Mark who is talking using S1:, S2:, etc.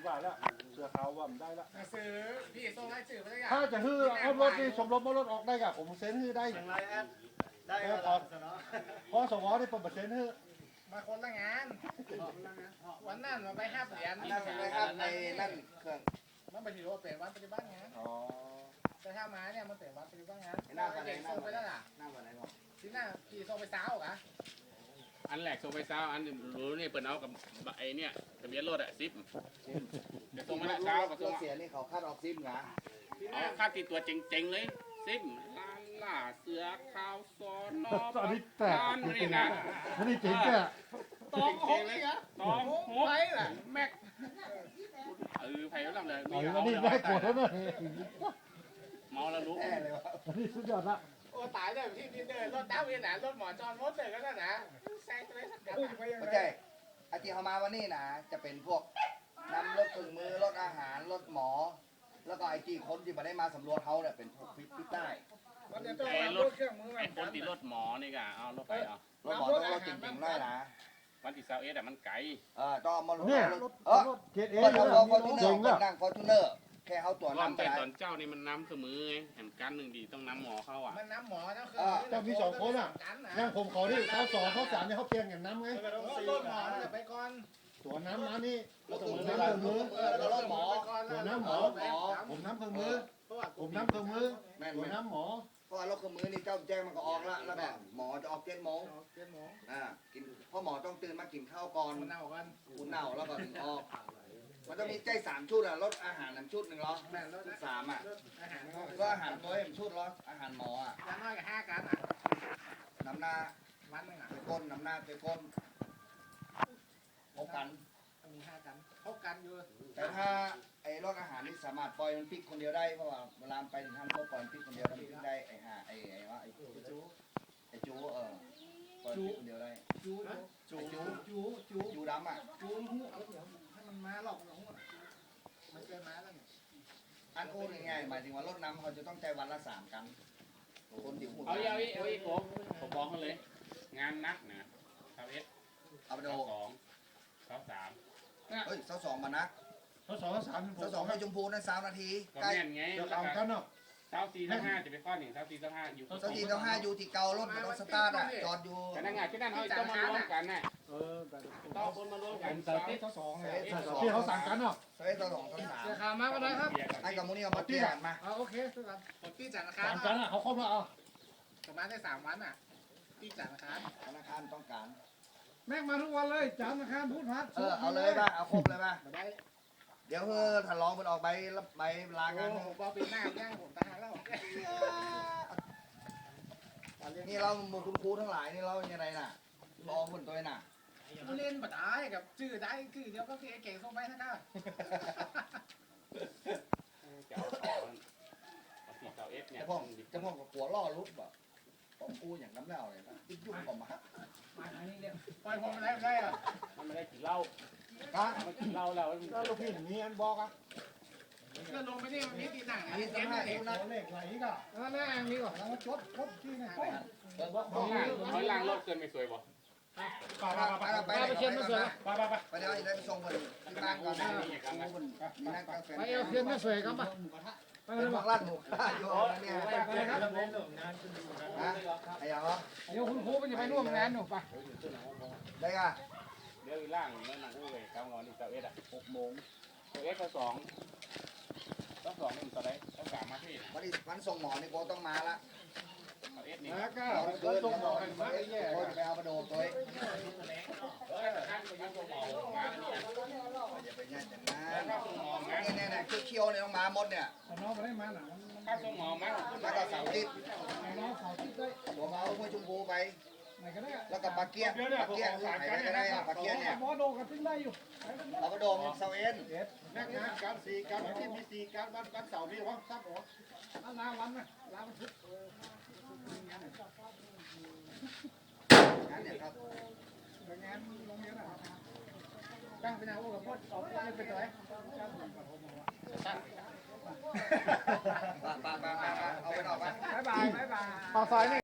S1: ว่าแล้วเสือขาวว่ามันได้ละ
S2: ซื้อพี่ส่งให้สื่อมาได้ยัง
S1: ถ้าจะฮื้อเอารถนี่สมรบรถออกได้กับผมเซ็นฮื้อได้อย่างไรแอดได้พอสวนี่ผมเซ็นฮื้อ
S2: มาคนละงานวันนั้นมาไป5 เหรียญ
S3: นั่นเลยครับในนั่นเครื่อง
S2: มันไปถือว่าเป็นวันปฏิบัติงาน
S1: อ๋อ
S2: แต่ถ้ามาเนี่ยมันเป็นวันปฏิบัติงาน
S3: หน้าวันไหน
S2: เก่งส่งไปแล้วล่ะ
S3: หน้าวันไหนบอก
S2: ที่หน้าพี่ส่งไปสาวกะ
S4: อันแรกส่งไปเช้าอันรู้นี่เปิดเอากับไอ้เนี่ยทะเบียนรถอะซิปเดี๋ยวส่งมาละเช้าก็ส่ง
S3: เสียนี่เขาคาดออกซิมเหรอ
S4: เอาค่าติดตัวเจ๋งๆเลยซิปลานล่าเสือขาวซอนนอ
S1: ตอนนี้แตก
S4: ลานนี่นะ
S1: อันนี้เจ๋งแก่
S4: ตองหกเลยตองหก
S2: ไปล่ะ
S4: แม็กไผ่ลำเลย
S1: อันนี้ได้กดแล้วเนี่ย
S4: เมาแล้วรู้
S3: แน่เลยวะ
S1: อันนี้สุดยอดละ
S2: โอ้ตายเลยที่เดินรถดาวเวียนหนารถหมอจอนรถเลยก็ได้นะแซงไปสักกัน
S3: ไม่ใช่อาทิตย์เขามาวันนี้นะจะเป็นพวกนำรถเครื่องมือรถอาหารรถหมอ แล้วก็ไอ้ที่คนที่มาได้มาสำรวจเขาเนี่ยเป็นพวกพิษใต้
S2: มันจะต้องรถเครื่องมือ
S4: ไอ้คนติดรถหมอนี่กะเอารถไปเอา
S3: รถหมอต้องรถจริงๆด้วยนะ
S4: วันที่21อะมันไกล
S3: ต้องมาลง
S1: เนี่ย
S3: รถ
S1: รถเกตเอ
S3: ก็
S1: ง
S3: ทำ
S1: นะ
S3: รถฟอร์จูเนอ
S1: เจ๋ง
S3: ร์
S1: ละ
S3: นั่งฟอร์จูเนอร์แค่เขาตัว
S4: รอบ
S3: น้ำไป
S4: แต่
S3: ไหน
S4: ตอนเจ้านี่มันน้ำเสมอไงแห่งกันหนึ่งดีต้องน้ำหมอเข้าอ่ะ
S2: มันน้ำหมอนะคือ
S1: เจ้ามีสองคนอ่ะอย่างผมขอที่เขา2เขา3เนี่ยเขาเปลี่ยนอย่างน้ำไง
S2: รถหมอจะไปก่อน
S1: ตัวน้ำมานี่
S3: รถ
S1: ตัว
S3: เครื่อง
S1: น้ำเครื่องมือ
S3: แล้วรถหมอ
S1: ตัวน้ำหมอผมน้ำเครื่องมือผมน้ำเครื่องมือ
S3: แม่น
S1: ตัว
S3: ไหม
S1: น้ำหมอ
S3: เพราะว่ารถเครื่องมือนี่เจ้าแจ้งมันก็ออกละแล้วก็หมอจะออก7 โมงกินเพราะหมอต้องตื่นมากินข้าวก่อน
S2: มันเอากัน
S3: คุณเน่าแล้วก็ถึงออกมันจะมีใจ3 ชุดอ่ะรถอาหาร1 ชุด1 ล้อชุด3อ่ะ
S2: อาหาร
S3: ก็อาหารตัว1 ชุดล้ออาหารหมออ่ะ
S2: จะน้อยกับ5 กันอ่ะ
S3: น้ำหน้า
S2: วันนึงอ่ะ
S3: ไปก้นน้ำหน้าไปก้นพบกัน
S2: มี5 กันพบกันอยู่
S3: แต่ถ้าไอ้รถอาหารนี่สามารถปล่อยมันพลิกคนเดียวได้เพราะว่าเวลาไปถึงทางเขาปล่อยมันพลิกคนเดียวแล้วมันพลิกได้ไอ้ห่าไอ้ว่าไอ้จูปล่อยพลิกคนเดียวได้ จูดำอ่ะ
S2: จูนหูให้มันมาหลอกหลงมันเกินมาแล้วเนี่ย
S3: อันโอ้ยง่ายๆหมายถึงว่ารถน้ำเขาจะต้องใจวันละ3 กันคนเดียวหุ่น
S4: เอาอีกผมบอกเขาเลย งานนักนะ21
S3: เอาไปดู
S4: 22 23
S3: เฮ้ย2 มานะ
S1: เขา2เขา3ผม
S3: 2ให้ชมพูนั่น3 นาที
S4: ก็
S3: ใกล้
S4: แม่นไง
S1: จะเอากันเนาะ
S4: 24 25จะไปข้อ1 24 25อยู่
S3: สักทีต้อง5อยู่ที่เก่ารถมันต้องสตาร์ทอ่ะจอดอยู่
S4: แต่นั่งไงที่นั่นเขาต้องมารวมกันน่ะ
S1: แต่
S4: ต้องคนมารวมกัน
S1: ที่เขาสั่งกันเนาะ
S3: เฮ้ยตัว2ตัว
S2: เสียขามาก็ได้ครับ
S3: 3ไอ้กับมูนี่เอามาเตี้ยมา
S2: โอเคทุกคนพี่จัดราคา
S1: สั่งกันอ่ะเขาเข้ามาเอา
S2: ประมาณได้3 วันอ่ะพี่จัดราคา
S3: ธนาคารต้องการ
S1: แม่งมาทุกวันเลยจานราคาพูดพัด
S3: เอาเลยป่ะเอาครบเลยป่ะ
S2: ได้
S3: เดี๋ยวถ้าลองมันออกใบลางาน
S2: บอปีหน้าย่างผมตายแล้ว
S3: นี่เราหมดคุณครูทั้งหลายนี่เราอย่างไรน่ะลองคนตัวน่ะ
S2: เล่นบัดได้กับชื่อได้ชื่อเดียวก็คือไอ้เก่งส่งไปนะครับ
S4: จะเอาของเอา4 เนี่ย
S3: จะพ่อกับหัวล่อรุดแบบต้องกูอย่างน้ำเล่าเลยนะยุ่งกว่ามา
S2: มาทางนี้เนี่ยปล่อยผมได้อะ
S4: มันไม่ได้กินเหล้า
S1: ก็
S4: มันกินเหล้าแล้ว
S1: ลูกพี่มีอันบอกอ่ะ
S2: ก็ลงไปนี่มันมีตีหนัง
S3: อัน
S2: นี่
S3: นี้
S2: เจ็
S3: ต้
S2: บ
S3: อง
S2: เล
S3: ให้
S2: ย
S3: ดูนะ
S1: เลขไหลก็
S2: หน้าอันนี้ก่อน
S1: แล้วมาชดที่นี่
S4: ถอยล่างรถเกินไม่สวยบ่
S3: ไปเชียนมาเสือ
S1: ไป
S3: ไปเดี๋ยวจะไปส่งคนที่บ้านก่อนนะมีนั่งกาแฟ
S2: ไปเอาเทียนมาสวยกันปะ
S3: ไปเลยบอกลั่นหมูอยู่เนี่ยไอ้ยังเหรอ
S2: เดี๋ยวคุณครูมันจะไปร่วมงานหนูปะ
S3: ได้ก่ะ
S4: เดี๋ยวล่างนั่นนั่งอู้เลยกำงอนอีก21อ่ะ
S3: 6 โมง
S4: ตัว 2ต้อง2นี่มันตัวไหนต้อง3มาที่
S3: วันส่งหมอนี่โกต้องมาละ
S4: 21นี่
S1: แล้วก็
S3: ตอนคืนต้องบอกให้มาแย่โกจะไปเอามาโดนตัว
S4: ท่านไปยังตัวหมองานนี่
S3: อย่าไปแย่จังนะ
S4: แล้วก็ตัวหมองาน
S3: เนี่ยเคี้ยวเนี่ยต้องมาหมดเนี่ย
S1: น้องมาได้มาหนัง
S4: ถ้าตัวหมอมัน
S3: มาก็3 ทิศ
S1: น้องขอคิดได้
S3: ตัวมาเอาห้วยชมพูไป
S1: ไหนก็ได้
S3: แล้วก็ปลาเกี้ยนไหนก็ได้ปลาเกี้ยนเนี่ย
S1: หมอโดกันทิ้งได้อยู่
S3: เรามาโดนเซเอ็น
S1: นักงานการ4การที่มี4การวันเสาร์มีวะทราบหรอเอานาวันนะลาวันพุธ
S3: นั่นเนี่ยครับ
S1: งานโรงเรียนอ่ะ
S2: ตั้งเป็นอาวุธกับพดสองคนเป็นตัวไหน
S3: ปลาเอาไปออกไป
S2: บ๊ายบายบ๊ายบาย